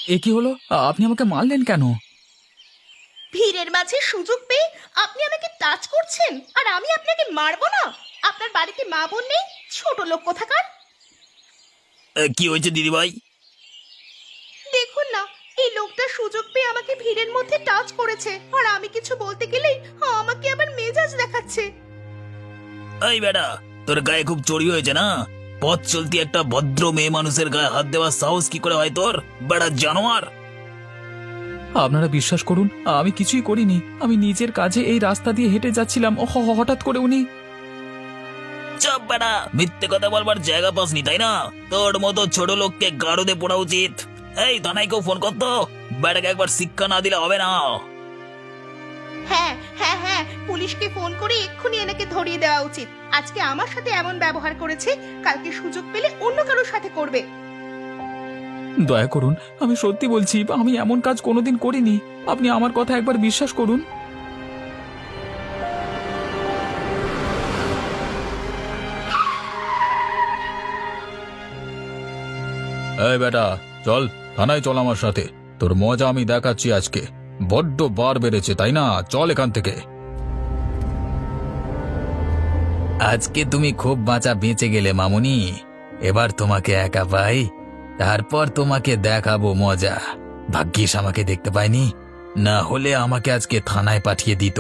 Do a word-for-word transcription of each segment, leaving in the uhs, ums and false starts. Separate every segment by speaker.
Speaker 1: এ কি হলো? আপনি আমাকে মারলেন কেন?
Speaker 2: ভিড়ের মাঝে সুযোগ পেয়ে আপনি আমাকে টাচ করছেন আর আমি আপনাকে মারবো না? আপনার বাড়িতে মা বোন নেই? ছোট লোক কোথাকার!
Speaker 3: এ, কি হয়েছে দিদিভাই?
Speaker 2: দেখুন না, এই লোকটা সুযোগ পেয়ে আমাকে ভিড়ের মধ্যে টাচ করেছে আর আমি কিছু বলতে গেলেই আমাকে আবার মেজাজ দেখাচ্ছে।
Speaker 3: এই বেটা, তোর গায়ে খুব চড়ি হয়েছে না? পথ চলতি একটা ভদ্র মেয়ে মানুষের গায়ে হাত দেওয়ার সাহস কি করে হয় তোর, বেটা জানোয়ার!
Speaker 1: আপনারা বিশ্বাস করুন, আমি কিছুই করিনি। আমি নিজের কাজে এই রাস্তা দিয়ে হেঁটে যাচ্ছিলাম, ও হ- হঠাৎ করে উনি।
Speaker 3: চাপ বেটা, মিথ্যে কথা বলবার জায়গা পাসনি তাই না? তোর মতো ছোট লোককে গাড়োতে পড়া উচিত। এই থানায় কেউ ফোন করতো, বেটাকে একবার শিক্ষা না দিলে হবে না।
Speaker 2: হ্যাঁ হ্যাঁ হ্যাঁ, পুলিশকে ফোন করে এক্ষুনি এনাকে ধরিয়ে দেওয়া উচিত। আজকে আমার সাথে এমন ব্যবহার করেছে, কালকে সুযোগ পেলে অন্য কারোর সাথে করবে।
Speaker 1: দয়া করুন, আমি সত্যি বলছি, আমি এমন কাজ কোনোদিন করিনি। আপনি আমার কথা একবার বিশ্বাস করুন। এই বেটা, চল থানায় চল আমার সাথে। তোর মজা আমি দেখাচ্ছি আজকে। বড্ড বার বেড়েছে তাই না? চল এখান থেকে।
Speaker 4: আজকে তুমি খুব বাঁচা বেঁচে গেলে মামুনি। এবার তোমাকে একা পাই, তারপর তোমাকে দেখাবো মজা। ভাগ্যিস আমাকে দেখতে পাইনি, না হলে আমাকে আজকে থানায় পাঠিয়ে দিত।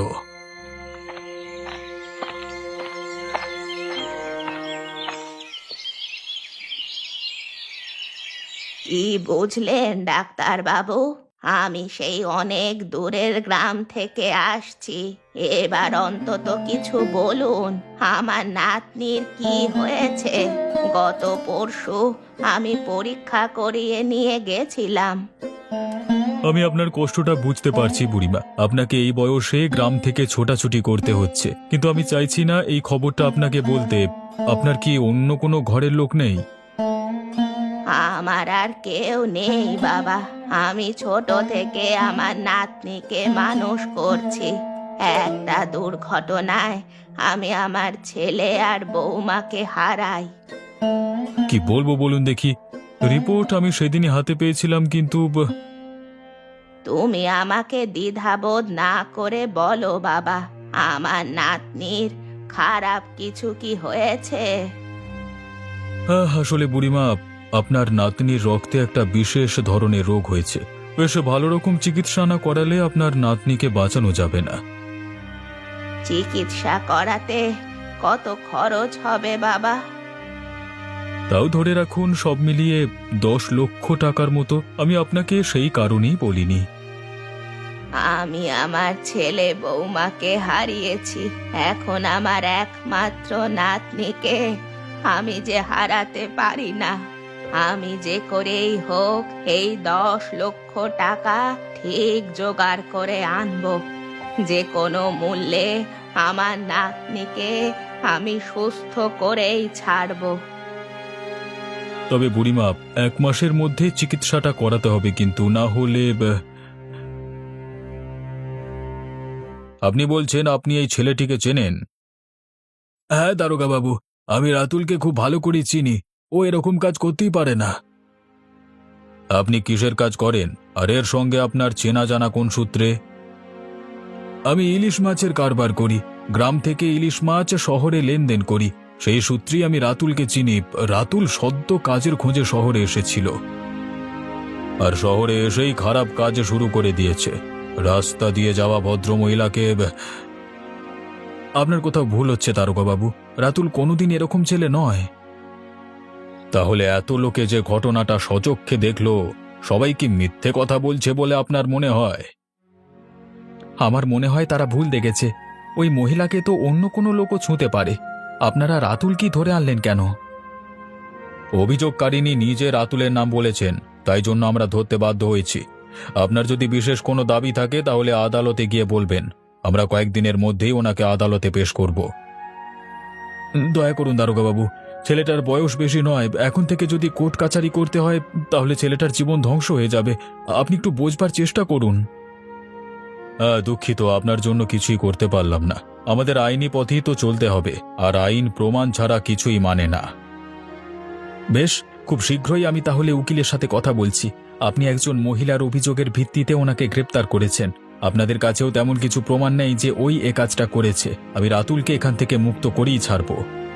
Speaker 2: কি বুঝলেন ডাক্তার বাবু? আমি সেই অনেক দূরের গ্রাম থেকে আসছি। এবার অন্তত কিছু বলুন, আমার নাতনির কি হয়েছে? গত পরশু আমি পরীক্ষা করিয়ে নিয়ে গেছিলাম।
Speaker 1: আমি আপনার কষ্টটা বুঝতে পারছি বুড়িমা। আপনাকে এই বয়সে গ্রাম থেকে ছোটাছুটি করতে হচ্ছে, কিন্তু আমি চাইছি না এই খবরটা আপনাকে বলতে। আপনার কি অন্য কোনো ঘরের লোক নেই?
Speaker 2: আমার আর কেউ নেই বাবা। আমি ছোট থেকে আমার নাতনিকে মানুষ করছি। একটা দুর্ঘটনায় আমি আমার ছেলে আর বৌমাকে হারাই।
Speaker 1: কি বলবো বলুন দেখি। রিপোর্ট আমি সেদিনই হাতে পেয়েছিলাম, কিন্তু ব-
Speaker 2: তুমি আমাকে দ্বিধাবোধ না করে বলো বাবা, আমার নাতনির খারাপ কিছু কি হয়েছে?
Speaker 1: আহ, আসলে বুড়িমা, আপনার নাতনির রক্তে একটা বিশেষ ধরনের রোগ হয়েছে। বেশ ভালো রকম চিকিৎসা না করালে আপনার নাতনিকে বাঁচানো যাবে না।
Speaker 2: চিকিৎসা করাতে কত খরচ হবে বাবা?
Speaker 1: তাও ধরে রাখুন সব মিলিয়ে দশ লক্ষ টাকার মতো। আমি আপনাকে সেই কারণেই বলিনি।
Speaker 2: আমি আমার ছেলে বৌমাকে হারিয়েছি, এখন আমার একমাত্র নাতনিকে আমি যে হারাতে পারি না। আমি যে করেই হোক এই দশ লক্ষ টাকা ঠিক জোগাড় করে আনবো। যে কোনো মূল্যে আমার নাতনিকে আমি সুস্থ করেই ছাড়বো।
Speaker 1: তবে বুড়িমা, এক মাসের মধ্যে চিকিৎসাটা করাতে হবে, কিন্তু না হলে ব- আপনি বলছেন আপনি এই ছেলেটিকে চেনেন? হ্যাঁ দারোগা বাবু, আমি রাতুলকে খুব ভালো করে চিনি। ও এরকম কাজ করতেই পারে না। আপনি কিসের কাজ করেন, আর এর সঙ্গে আপনার চেনা জানা কোন সূত্রে? আমি ইলিশ মাছের কারবার করি। গ্রাম থেকে ইলিশ মাছ শহরে লেনদেন করি। সেই সূত্রেই আমি রাতুলকে চিনি। রাতুল সদ্য কাজের খোঁজে শহরে এসেছিল, আর শহরে এসেই খারাপ কাজ শুরু করে দিয়েছে। রাস্তা দিয়ে যাওয়া ভদ্রমহিলাকে। আপনার কোথাও ভুল হচ্ছে দারোগা বাবু। রাতুল কোনোদিন এরকম ছেলে নয়। তাহলে এত লোকে যে ঘটনাটা সচক্ষে দেখলো, সবাই কি মিথ্যে কথা বলছে বলে আপনার মনে হয়? আমার মনে হয় তারা ভুল দেখেছে। ওই মহিলাকে তো অন্য কোনো লোকও ছুঁতে পারে। আপনারা রাতুল কি ধরে আনলেন কেন? অভিযোগকারিনী নিজে রাতুলের নাম বলেছেন, তাই জন্য আমরা ধরতে বাধ্য হয়েছি। আপনার যদি বিশেষ কোনো দাবি থাকে তাহলে আদালতে গিয়ে বলবেন। আমরা কয়েকদিনের মধ্যেই ওনাকে আদালতে পেশ করব। দয়া করুন দারোগা বাবু, ছেলেটার বয়স বেশি নয়। এখন থেকে যদি কোর্ট কাচারি করতে হয় তাহলে ছেলেটার জীবন ধ্বংস হয়ে যাবে। আপনি একটু বোঝবার চেষ্টা করুন। হ্যাঁ, দুঃখিত, আপনার জন্য কিছুই করতে পারলাম না। আমাদের আইনি পথেই তো চলতে হবে, আর আইন প্রমাণ ছাড়া কিছুই মানে না। বেশ, খুব শীঘ্রই আমি তাহলে উকিলের সাথে কথা বলছি। আপনি একজন মহিলার অভিযোগের ভিত্তিতে ওনাকে গ্রেপ্তার করেছেন। আপনাদের কাছেও তেমন কিছু প্রমাণ নেই যে ওই এ কাজটা করেছে। আমি রাতুলকে এখান থেকে মুক্ত করেই ছাড়ব।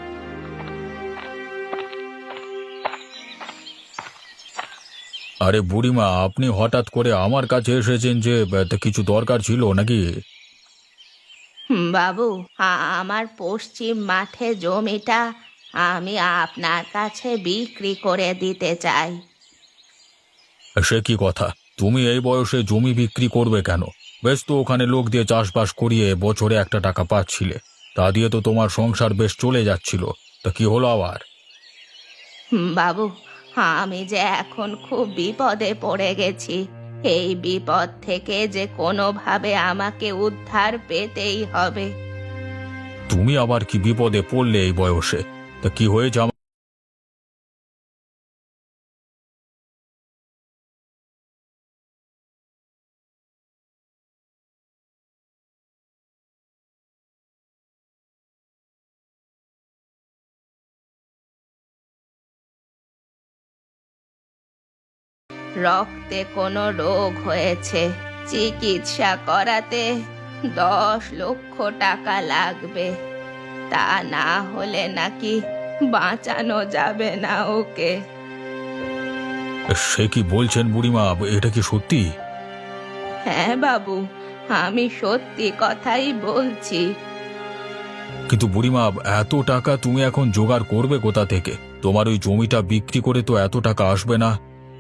Speaker 1: আরে বুড়িমা, আপনি হঠাৎ করে আমার কাছে এসেছেন যে তা কিছু দরকার ছিল নাকি?
Speaker 2: হুম, বাবু, আ- আমার পশ্চিম মাঠে জমিটা আমি আপনার কাছে বিক্রি করে দিতে চাই।
Speaker 1: সে কি কথা? তুমি এই বয়সে জমি বিক্রি করবে কেন? বেশ তো ওখানে লোক দিয়ে চাষবাস করিয়ে বছরে একটা টাকা পাচ্ছিলে। তা দিয়ে তো তোমার সংসার বেশ চলে যাচ্ছিল। তা কি হলো আবার?
Speaker 2: হুম, বাবু, আমি যে এখন খুব বিপদে পড়ে গেছি। এই বিপদ থেকে যে কোনোভাবে আমাকে উদ্ধার পেতেই হবে।
Speaker 1: তুমি আবার কি বিপদে পড়লে এই বয়সে? তা কি হয়েছে আমার?
Speaker 2: রক্তে কোনো রোগ হয়েছে, চিকিৎসা করাতে দশ লক্ষ টাকা লাগবে। তা না হলে নাকি বাঁচানো যাবে না ওকে।
Speaker 1: সে কি বলছেন বুড়িমা? এটা কি সত্যি?
Speaker 2: হ্যাঁ বাবু, আমি সত্যি কথাই বলছি।
Speaker 1: কিন্তু বুড়িমা, এত টাকা তুমি এখন জোগাড় করবে কোথা থেকে? তোমার ওই জমিটা বিক্রি করে তো এত টাকা আসবে না।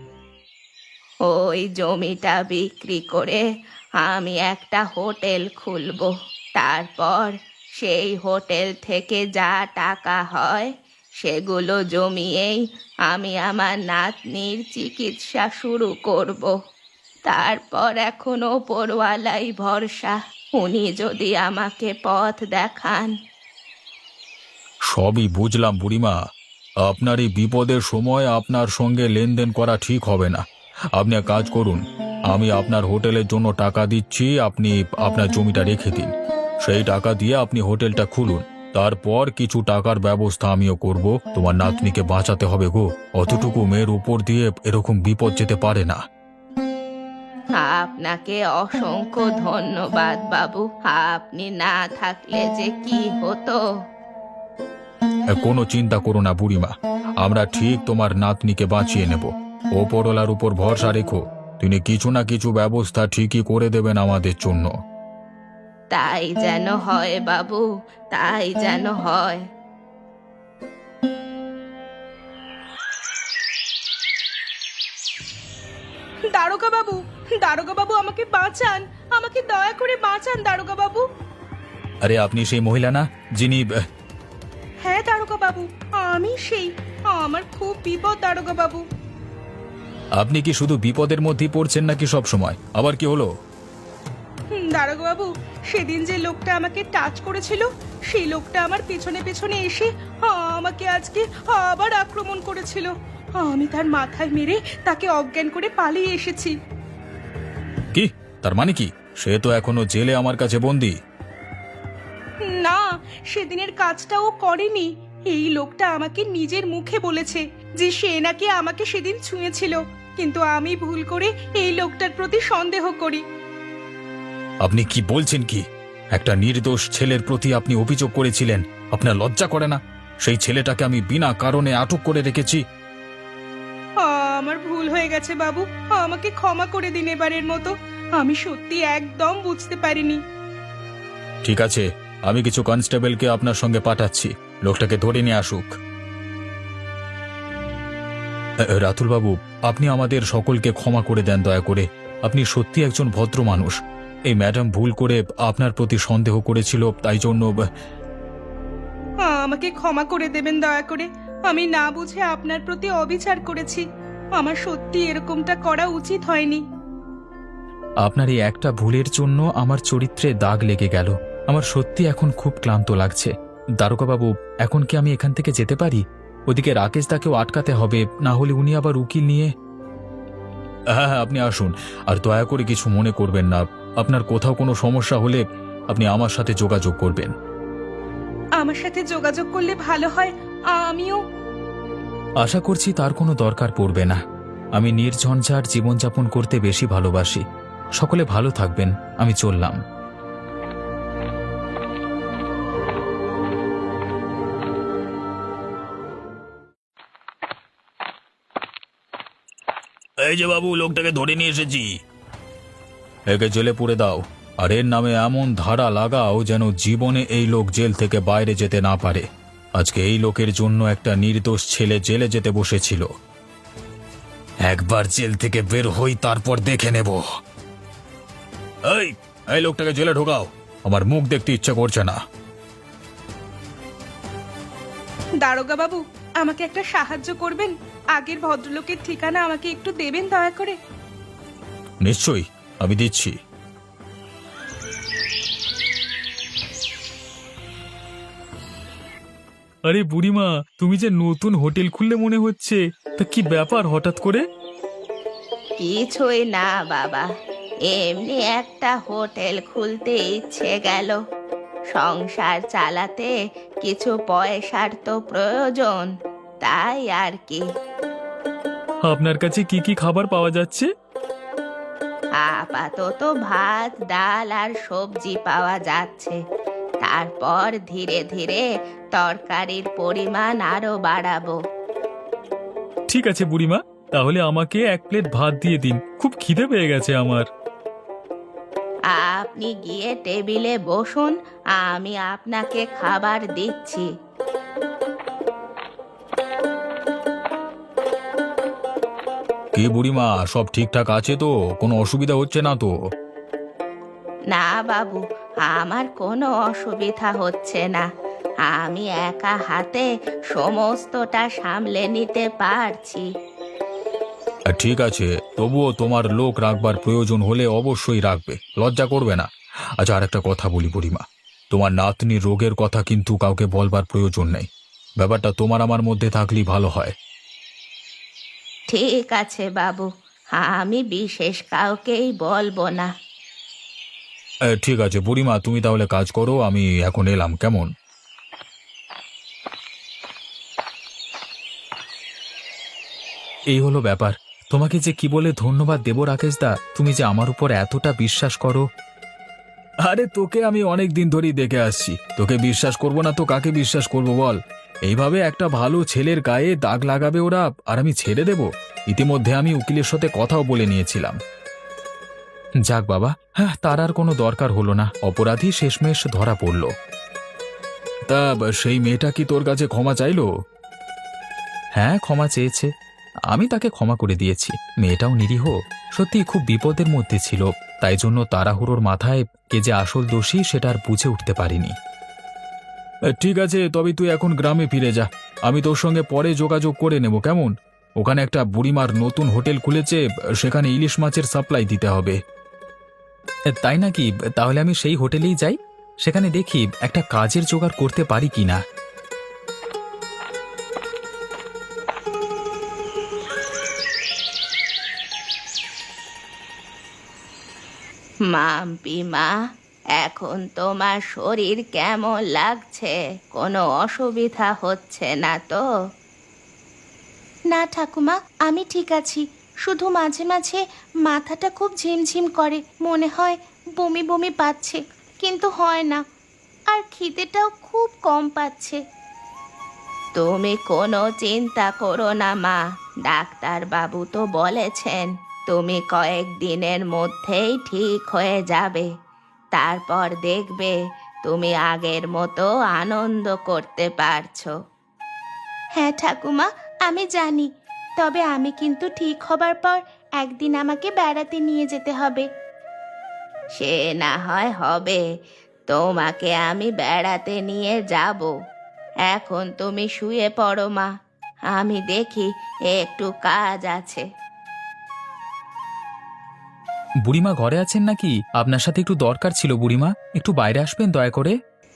Speaker 2: ওই জমিটা বিক্রি করে আমি একটা হোটেল খুলব। তারপর সেই হোটেল থেকে যা টাকা হয় সেগুলো জমিয়েই আমি আমার নাতনির চিকিৎসা শুরু করব। তারপর এখন ওপরওয়ালাই ভরসা, উনি যদি আমাকে পথ দেখান।
Speaker 1: সবই বুঝলাম বুড়িমা। আপনার এই বিপদের সময় আপনার সঙ্গে লেনদেন করা ঠিক হবে না। আপনি এক কাজ করুন, আমি আপনার হোটেলের জন্য টাকা দিচ্ছি, আপনি আপনার জমিটা রেখে দিন। সেই টাকা দিয়ে আপনি হোটেলটা খুলুন। তারপর কিছু টাকার ব্যবস্থা আমিও করব। তোমার নাতনিকে বাঁচাতে হবে গো। অতটুকু মেয়ের উপর দিয়ে এরকম বিপদ যেতে পারে না।
Speaker 2: আপনাকে অসংখ্য ধন্যবাদ বাবু। আপনি না থাকলে যে কি হতো।
Speaker 1: কোনো চিন্তা করো না বুড়িমা, আমরা ঠিক তোমার নাতনিকে বাঁচিয়ে নেব। ওপরওয়ালার উপর ভরসা রেখো, তিনি কিছু না কিছু ব্যবস্থা ঠিকই করে দেবেন আমাদের জন্য।
Speaker 2: তাই যেন হয় বাবু, তাই যেন হয়।
Speaker 5: দারোগা বাবু, দারোগা বাবু, আমাকে বাঁচান, আমাকে দয়া করে বাঁচান দারোগা বাবু।
Speaker 1: আরে আপনি সেই মহিলা না যিনি?
Speaker 5: হ্যাঁ দারোগা বাবু, আমি সেই। আমার খুব বিপদ দারোগা বাবু।
Speaker 1: আপনি কি শুধু বিপদের মধ্যেই পড়ছেন নাকি সব সময়? আবার কি হলো?
Speaker 5: হুম, দারোগা বাবু, সেদিন যে লোকটা আমাকে টাচ করেছিল সেই লোকটা আমার পেছনে পেছনে এসে আমাকে আজকে আবার আক্রমণ করেছিল। আমি তার মাথায় মেরে তাকে অজ্ঞান করে পালিয়ে এসেছি।
Speaker 1: কি তার মানে কি? সে তো এখনো জেলে আমার কাছে বন্দী।
Speaker 5: না, সেদিনের কাজটা ও করেনি। এই লোকটা আমাকে নিজের মুখে বলেছে যে সে নাকি আমাকে সেদিন ছুঁয়েছিল, কিন্তু আমি ভুল করে এই লোকটার প্রতি সন্দেহ করি।
Speaker 1: আপনি কি বলছেন কি? একটা নির্দোষ ছেলের প্রতি আপনি অভিযোগ করেছিলেন? আপনার লজ্জা করে না? সেই ছেলেটাকে আমি বিনা কারণে আটক করে রেখেছি।
Speaker 5: আমার ভুল হয়ে গেছে বাবু, আমাকে ক্ষমা করে দিন এবারের মতো। আমি সত্যি একদম বুঝতে পারিনি।
Speaker 1: ঠিক আছে, আমি কিছু কনস্টেবলকে আপনার সঙ্গে পাঠাচ্ছি, লোকটাকে ধরে নিয়ে আসুক। রাতুল বাবু, আপনি আমাদের সকলকে ক্ষমা করে দেন দয়া করে। আপনি সত্যি একজন ভদ্র মানুষ। এই ম্যাডাম ভুল করে আপনার প্রতি সন্দেহ করেছিল, তাই জন্য।
Speaker 5: আমাকে ক্ষমা করে দেবেন দয়া করে। আমি না বুঝে আপনার প্রতি অবিচার করেছি। আমার সত্যি এরকমটা করা উচিত হয়নি।
Speaker 1: আপনার এই একটা ভুলের জন্য আমার চরিত্রে দাগ লেগে গেল। আমার সত্যি এখন খুব ক্লান্ত লাগছে। দারোগা বাবু, এখন কি আমি এখান থেকে যেতে পারি? ওদিকে রাকেশ দাকেও আটকাতে হবে, না হলে উনি আবার উকিল নিয়ে। হ্যাঁ হ্যাঁ, আপনি আসুন। আর দয়া করে কিছু মনে করবেন না। আপনার কোথাও কোনো সমস্যা হলে আপনি আমার সাথে যোগাযোগ করবেন।
Speaker 5: আমার সাথে যোগাযোগ করলে ভালো হয়। আমিও
Speaker 4: আশা করছি তার কোনো দরকার পড়বে না। আমি নির্ঝঞ্ঝাট জীবনযাপন করতে বেশি ভালোবাসি। সকলে ভালো থাকবেন, আমি চললাম।
Speaker 3: এই যে বাবু, লোকটাকে ধরে নিয়ে এসেছি।
Speaker 1: একে জেলে পুরে দাও, আর এর নামে এমন ধারা লাগাও যেন জীবনে এই লোক জেল থেকে বাইরে যেতে না পারে। আজকে এই লোকের জন্য একটা নির্দোষ ছেলে জেলে যেতে বসেছিল।
Speaker 4: একবার জেল থেকে বের হই, তারপর দেখে নেব।
Speaker 1: এই এই লোকটাকে জেলে ঢোকাও, আমার মুখ দেখতে ইচ্ছে করছে না।
Speaker 5: দারোগা বাবু, আমাকে একটা সাহায্য করবেন? আগের ভদ্রলোকের ঠিকানা আমাকে একটু দেবেন দয়া করে।
Speaker 1: নিশ্চয়ই, আমি দিচ্ছি। আরে বুড়িমা, তুমি যে নতুন হোটেল খুললে মনে হচ্ছে, তা কি ব্যাপার হঠাৎ করে?
Speaker 2: কিছুই না বাবা, এমনি একটা হোটেল খুলতে ইচ্ছে গেল। সংসার চালাতে কিছু পয়সার তো প্রয়োজন, তাই আর কি।
Speaker 1: আপনার কাছে কি কি খাবার পাওয়া যাচ্ছে?
Speaker 2: আপাতত ভাত, ডাল আর সবজি পাওয়া যাচ্ছে। তারপর ধীরে ধীরে তরকারির পরিমাণ আরো বাড়াবো।
Speaker 1: ঠিক আছে বুড়িমা, তাহলে আমাকে এক প্লেট ভাত দিয়ে দিন, খুব খিদে পেয়ে গেছে আমার।
Speaker 2: আপনি গিয়ে টেবিলে বসুন, আমি আপনাকে খাবার দিচ্ছি।
Speaker 1: কি বুড়িমা, সব ঠিকঠাক আছে তো? কোনো অসুবিধা হচ্ছে না তো?
Speaker 2: না বাবু, আমার কোনো অসুবিধা হচ্ছে না। আমি একা হাতে সমস্তটা সামলে নিতে পারছি।
Speaker 1: ঠিক আছে, তবুও তোমার লোক রাখবার প্রয়োজন হলে অবশ্যই রাখবে, লজ্জা করবে না। আচ্ছা, আর একটা কথা বলি বুড়িমা, তোমার নাতনির রোগের কথা কিন্তু কাউকে বলবার প্রয়োজন নেই। ব্যাপারটা তোমার আমার মধ্যে থাকলেই ভালো হয়।
Speaker 2: ঠিক আছে বাবু, আমি বিশেষ কাউকেই বলবো না।
Speaker 1: এ, ঠিক আছে বুড়িমা, তুমি তাহলে কাজ করো, আমি এখন এলাম, কেমন? এই হলো ব্যাপার। তোমাকে যে কি বলে ধন্যবাদ দেব রাকেশদা, তুমি যে আমার উপর এতটা বিশ্বাস করো। আরে তোকে আমি অনেক দিন ধরেই দেখে আসছি, তোকে বিশ্বাস করব না তো কাকে বিশ্বাস করব বল? এইভাবে একটা ভালো ছেলের গায়ে দাগ লাগাবে ওরা, আর আমি ছেড়ে দেব? ইতিমধ্যে আমি উকিলের সাথে কথাও বলে নিয়েছিলাম। যাক বাবা, হ্যাঁ, তার আর কোনো দরকার হলো না, অপরাধী শেষমেশ ধরা পড়ল। তা সেই মেয়েটা কি তোর কাছে ক্ষমা চাইলো? হ্যাঁ, ক্ষমা চেয়েছে, আমি তাকে ক্ষমা করে দিয়েছি। মেয়েটাও নিরীহ, সত্যি খুব বিপদের মধ্যে ছিল, তাই জন্য তাড়াহুড়োর মাথায় কে যে আসল দোষী সেটা আর বুঝে উঠতে পারিনি। ঠিক আছে, তবে তুই এখন গ্রামে ফিরে যা, আমি তোর সঙ্গে পরে যোগাযোগ করে নেব, কেমন? ওখানে একটা বুড়িমার নতুন হোটেল খুলেছে, সেখানে ইলিশ মাছের সাপ্লাই দিতে হবে। তাই নাকি? তাহলে আমি সেই হোটেলেই যাই, সেখানে দেখি একটা কাজের জোগাড় করতে পারি কিনা।
Speaker 2: মাম্পি মা, এখন তোমার শরীর কেমন লাগছে? কোনো অসুবিধা হচ্ছে না তো? না ঠাকুমা, আমি ঠিক আছি। শুধু মাঝে মাঝে মাথাটা খুব ঝিমঝিম করে, মনে হয় বমি বমি পাচ্ছে, কিন্তু হয় না। আর খিদেটাও খুব কম পাচ্ছে। তুমি কোনো চিন্তা করো না মা, ডাক্তার বাবু তো বলেছেন তুমি কয়েকদিনের মধ্যেই ঠিক হয়ে যাবে। তারপর দেখবে তুমি আগের মতো আনন্দ করতে পারছো। হ্যাঁ ঠাকুমা, আমি জানি, তবে আমি কিন্তু ঠিক হবার পর একদিন আমাকে বেড়াতে নিয়ে যেতে হবে। সে না হয় হবে, তোমাকে আমি বেড়াতে নিয়ে যাব। এখন তুমি শুয়ে পড়ো মা, আমি দেখি একটু কাজ আছে।
Speaker 4: বুড়িমা ঘরে আছেন নাকি? আপনার সাথে একটু দরকার ছিল বুড়িমা, একটু বাইরে আসবেন দয়া করে।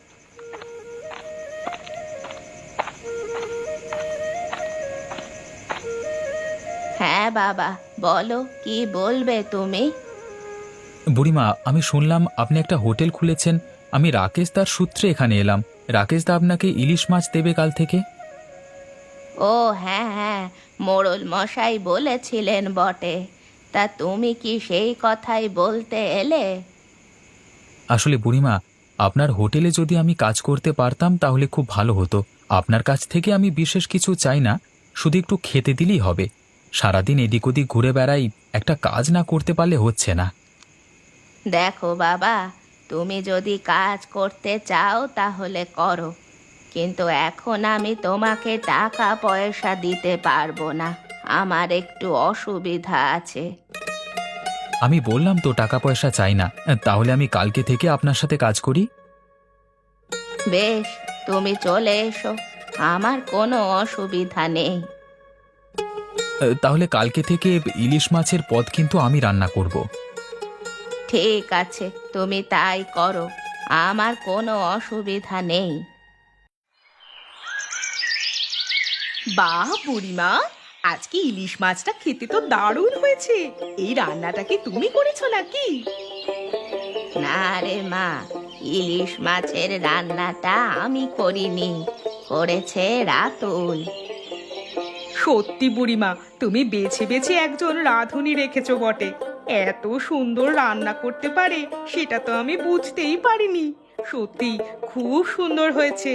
Speaker 2: হ্যাঁ বাবা, বলো, কি বলবে তুমি?
Speaker 4: বুড়িমা, আমি শুনলাম আপনি একটা হোটেল খুলেছেন, আমি রাকেশ দার সূত্রে এখানে এলাম। রাকেশ দা আপনাকে ইলিশ মাছ দেবে কাল থেকে।
Speaker 2: ও হ্যাঁ হ্যাঁ, মোড়ল মশাই বলেছিলেন বটে। তা তুমি কি সেই কথাই বলতে এলে?
Speaker 4: আসলে বুড়িমা, আপনার হোটেলে যদি আমি কাজ করতে পারতাম তাহলে খুব ভালো হতো। আপনার কাছ থেকে আমি বিশেষ কিছু চাই না, শুধু একটু খেতে দিলেই হবে। সারাদিন এদিক ওদিক ঘুরে বেড়াই, একটা কাজ না করতে পারলে হচ্ছে না।
Speaker 2: দেখো বাবা, তুমি যদি কাজ করতে চাও তাহলে করো, কিন্তু এখন আমি তোমাকে টাকা পয়সা দিতে পারবো না। আমার একটু অসুবিধা আছে।
Speaker 4: আমি বললাম তো টাকা পয়সা চাই না, তাহলে আমি কালকে থেকে আপনার সাথে কাজ করি।
Speaker 2: বেশ, তুমি চলে এসো, আমার কোনো অসুবিধা নেই।
Speaker 4: তাহলে কালকে থেকে ইলিশ মাছের পদ কিন্তু আমি রান্না করব।
Speaker 2: ঠিক আছে, তুমি তাই করো, আমার কোনো অসুবিধা নেই।
Speaker 5: বাহ বুড়িমা, আজকে ইলিশ মাছটা খেতে তো দারুণ হয়েছে। এই রান্নাটা কি তুমি করেছো নাকি?
Speaker 2: না রে মা, ইলিশ মাছের রান্নাটা আমি করিনি, করেছে রাতুল।
Speaker 5: সত্যি বুড়িমা, তুমি বেছে বেছে একজন রাঁধুনি রেখেছো বটে। এত সুন্দর রান্না করতে পারে সেটা তো আমি বুঝতেই পারিনি। সত্যি খুব সুন্দর হয়েছে।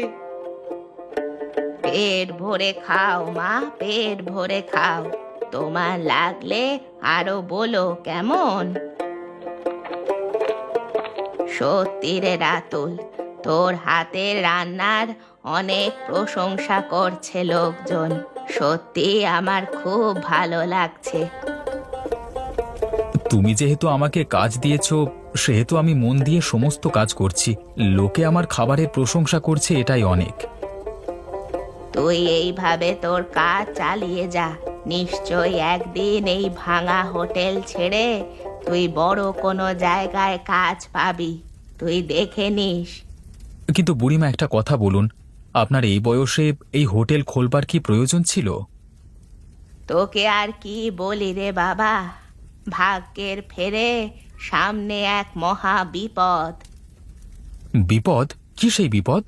Speaker 2: পেট ভরে খাও মা, পেট ভরে খাও। তোমার লাগলে আরো বলো কেমন। সত্যি রে রাতুল, তোর হাতের রান্নার অনেক প্রশংসা করছে লোকজন। সত্যি আমার খুব ভালো লাগছে।
Speaker 4: তুমি যেহেতু আমাকে কাজ দিয়েছো, সেহেতু আমি মন দিয়ে সমস্ত কাজ করছি। লোকে আমার খাবারের প্রশংসা করছে, এটাই অনেক।
Speaker 2: তুই এইভাবে তোর কাজ চালিয়ে যা, নিশ্চয়ই একদিন এই ভাঙা হোটেল ছেড়ে তুই বড় কোনো জায়গায় কাজ পাবি, তুই দেখে নিস।
Speaker 4: কিন্তু বুড়িমা, একটা কথা বলুন, আপনার এই বয়সে এই হোটেল খোলবার কি প্রয়োজন ছিল?
Speaker 2: তোকে আর কি বলি রে বাবা, ভাগ্যের ফেরে সামনে এক মহা বিপদ।
Speaker 4: বিপদ? কি সেই বিপদ?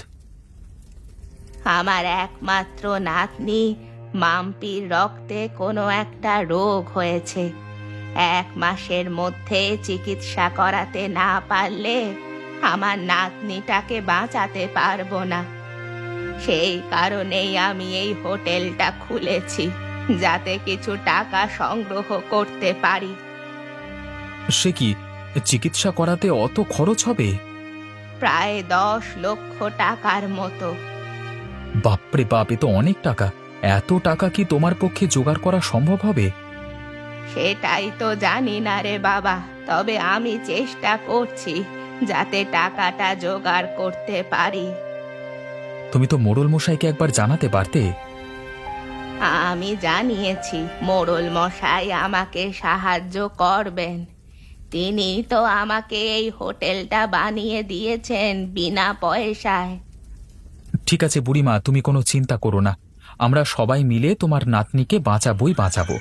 Speaker 2: আমার একমাত্র নাতনি মাম্পির রক্তে কোনো একটা রোগ হয়েছে। এক মাসের মধ্যে চিকিৎসা করাতে না পারলে আমার নাতনিটাকে বাঁচাতে পারবো না। সেই কারণেই আমি এই হোটেলটা খুলেছি, যাতে কিছু টাকা সংগ্রহ করতে পারি।
Speaker 4: সে কি, চিকিৎসা করাতে অত খরচ হবে?
Speaker 2: প্রায় দশ লক্ষ টাকার মতো।
Speaker 4: বাপরে বাপ, এ তো অনেক টাকা। এত টাকা কি তোমার পক্ষে জোগাড় করা সম্ভব হবে?
Speaker 2: সেটাই তো জানি না রে বাবা, তবে আমি চেষ্টা করছি যাতে টাকাটা জোগাড় করতে পারি।
Speaker 4: তুমি তো মোড়ল মশাইকে একবার জানাতে পারতে।
Speaker 2: আমি জানিয়েছি, মোড়ল মশাই আমাকে সাহায্য করবেন। তিনি তো আমাকে এই হোটেলটা বানিয়ে দিয়েছেন বিনা পয়সায়।
Speaker 4: ঠিক আছে বুড়িমা, তুমি কোনো চিন্তা করো না, আমরা সবাই মিলে তোমার নাতনিকে বাঁচাবোই বাঁচাবো।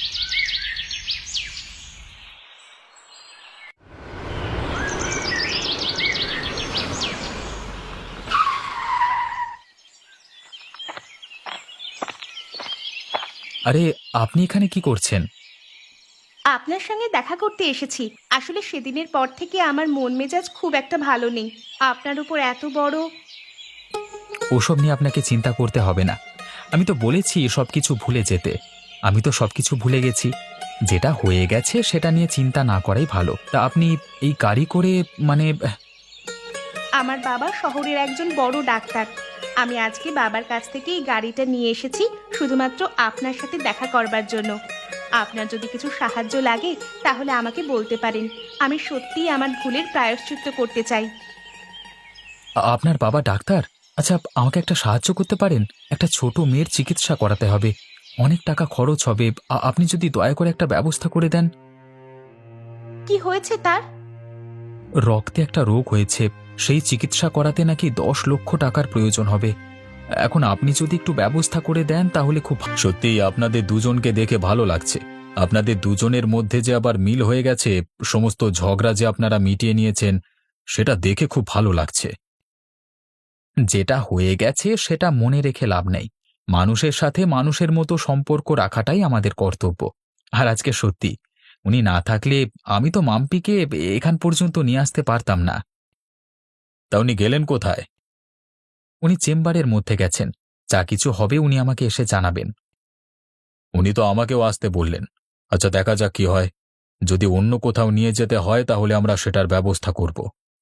Speaker 4: আরে, আপনি এখানে কি করছেন?
Speaker 5: আপনার সঙ্গে দেখা করতে এসেছি। আসলে সেদিনের পর থেকে আমার মন মেজাজ খুব একটা ভালো নেই। আপনার উপর এত বড়।
Speaker 4: ওসব নিয়ে আপনাকে চিন্তা করতে হবে না। আমি তো বলেছি সব কিছু ভুলে যেতে। আমি তো সব কিছু ভুলে গেছি। যেটা হয়ে গেছে সেটা নিয়ে চিন্তা না করাই ভালো। তা আপনি এই গাড়ি করে, মানে
Speaker 5: আমার বাবা শহরের একজন বড় ডাক্তার। আমি আজকে বাবার কাছ থেকে এই গাড়িটা নিয়ে এসেছি শুধুমাত্র আপনার সাথে দেখা করবার জন্য। আপনার যদি কিছু সাহায্য লাগে তাহলে আমাকে বলতে পারেন। আমি সত্যিই আমার ভুলের প্রায়শ্চিত্ত করতে চাই।
Speaker 4: আপনার বাবা ডাক্তার? আচ্ছা, আমাকে একটা সাহায্য করতে পারেন? একটা ছোট মেয়ের চিকিৎসা করাতে হবে, অনেক টাকা খরচ হবে। আ- আপনি যদি দয়া করে একটা ব্যবস্থা করে দেন।
Speaker 5: কি হয়েছে তার?
Speaker 4: রক্তে একটা রোগ হয়েছে, সেই চিকিৎসা করাতে নাকি দশ লক্ষ টাকার প্রয়োজন হবে। এখন আপনি যদি একটু ব্যবস্থা করে দেন তাহলে খুব। সত্যিই আপনাদের দুজনকে দেখে ভালো লাগছে। আপনাদের দুজনের মধ্যে যে আবার মিল হয়ে গেছে, সমস্ত ঝগড়া যে আপনারা মিটিয়ে নিয়েছেন, সেটা দেখে খুব ভালো লাগছে। যেটা হয়ে গেছে সেটা মনে রেখে লাভ নেই। মানুষের সাথে মানুষের মতো সম্পর্ক রাখাটাই আমাদের কর্তব্য। আর আজকে সত্যি উনি না থাকলে আমি তো মাম্পিকে এখান পর্যন্ত নিয়ে আসতে পারতাম না।
Speaker 1: তা উনি গেলেন কোথায়?
Speaker 4: উনি চেম্বারের মধ্যে গেছেন, যা কিছু হবে উনি আমাকে এসে জানাবেন।
Speaker 1: উনি তো আমাকেও আসতে বললেন। আচ্ছা, দেখা যাক কি হয়। যদি অন্য কোথাও নিয়ে যেতে হয় তাহলে আমরা সেটার ব্যবস্থা করব।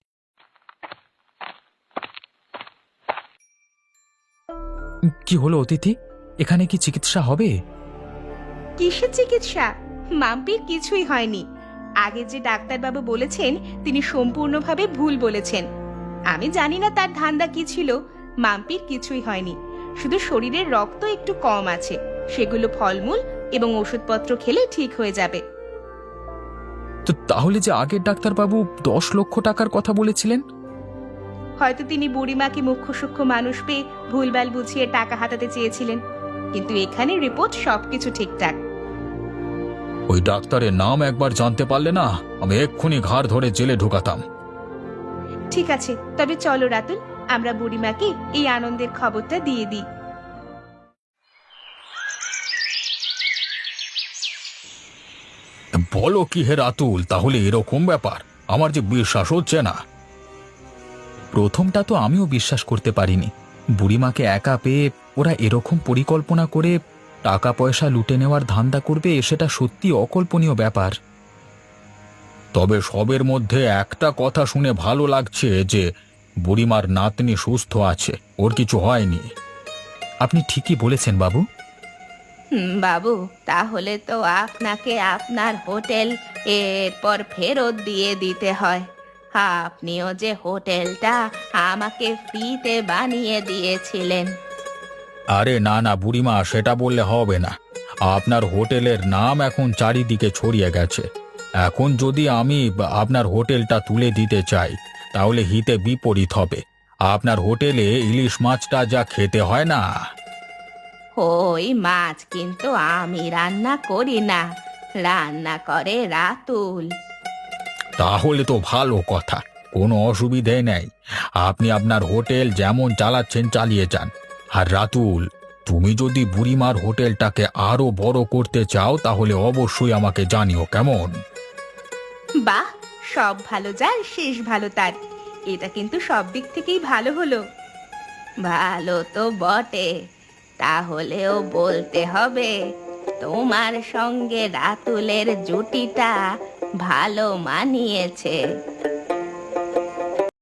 Speaker 4: কি হলো অতিথি, এখানে কি চিকিৎসা হবে?
Speaker 5: কিসের চিকিৎসা? মাম্পির কিছুই হয়নি। আগে যে ডাক্তারবাবু বলেছেন তিনি সম্পূর্ণভাবে ভুল বলেছেন। আমি জানি না তার ধান্দা কি ছিল। মাম্পির কিছুই হয়নি, শুধু শরীরের রক্ত একটু কম আছে, সেগুলো ফলমূল এবং ওষুধপত্র খেলে ঠিক হয়ে যাবে।
Speaker 4: তো তাহলে যে আগের ডাক্তারবাবু দশ লক্ষ টাকার কথা বলেছিলেন?
Speaker 5: হয়তো তিনি বুড়িমাকে মুখ্য সূক্ষ্ম মানুষ পেয়ে ভুলভাল বুঝিয়ে টাকা হাতাতে চেয়েছিলেন, কিন্তু এখানে রিপোর্ট সবকিছু ঠিকঠাক।
Speaker 1: ওই ডাক্তারের নাম একবার জানতে পারলে না, আমি এক্ষুনি ঘাড় ধরে জেলে ঢুকাতাম।
Speaker 5: ঠিক আছে, তবে চলো রাতুল, আমরা বুড়িমাকে এই আনন্দের খবরটা দিয়ে দিই।
Speaker 1: বলো কি হে রাতুল, তাহলে এরকম ব্যাপার? আমার যে বিশ্বাস হচ্ছে না।
Speaker 4: প্রথমটা তো আমিও বিশ্বাস করতে পারিনি। বুড়িমাকে একা পেয়ে ওরা এরকম পরিকল্পনা করে টাকা পয়সা লুটে নেওয়ার ধান্দা করবে, সেটা সত্যি অকল্পনীয় ব্যাপার।
Speaker 1: তবে সবের মধ্যে একটা কথা শুনে ভালো লাগছে যে বুড়িমার নাতনি সুস্থ আছে, ওর কিছু হয়নি।
Speaker 4: আপনি ঠিকই বলেছেন বাবু।
Speaker 2: হুম, বাবু, তাহলে তো আপনাকে আপনার হোটেল এরপর ফেরত দিয়ে দিতে হয়। আপনিও যে হোটেলটা আমাকে ফ্রিতে বানিয়ে দিয়েছিলেন।
Speaker 1: আরে না না বুড়িমা, সেটা বললে হবে না। আপনার হোটেলের নাম এখন চারিদিকে ছড়িয়ে গেছে। এখন যদি আমি আপনার হোটেলটা তুলে দিতে চাই তাহলে হিতে বিপরীত হবে। আপনার হোটেলে ইলিশ মাছটা যা খেতে হয় না।
Speaker 2: ওই মাছ কিন্তু আমি রান্না করি না, রান্না করে রাতুল।
Speaker 1: তাহলে তো ভালো কথা, কোনো অসুবিধে নেই। আপনি আপনার হোটেল যেমন চালাচ্ছেন চালিয়ে যান। আর রাতুল, তুমি যদি বুড়িমার হোটেলটাকে আরো বড় করতে চাও তাহলে অবশ্যই আমাকে জানিও, কেমন?
Speaker 5: বাহ, সব ভালো যার শেষ ভালো তার। এটা কিন্তু সব দিক থেকেই ভালো হলো।
Speaker 2: ভালো তো বটে, তাহলেও বলতে হবে তোমার সঙ্গে রাতুলের জুটিটা ভালো মানিয়েছে।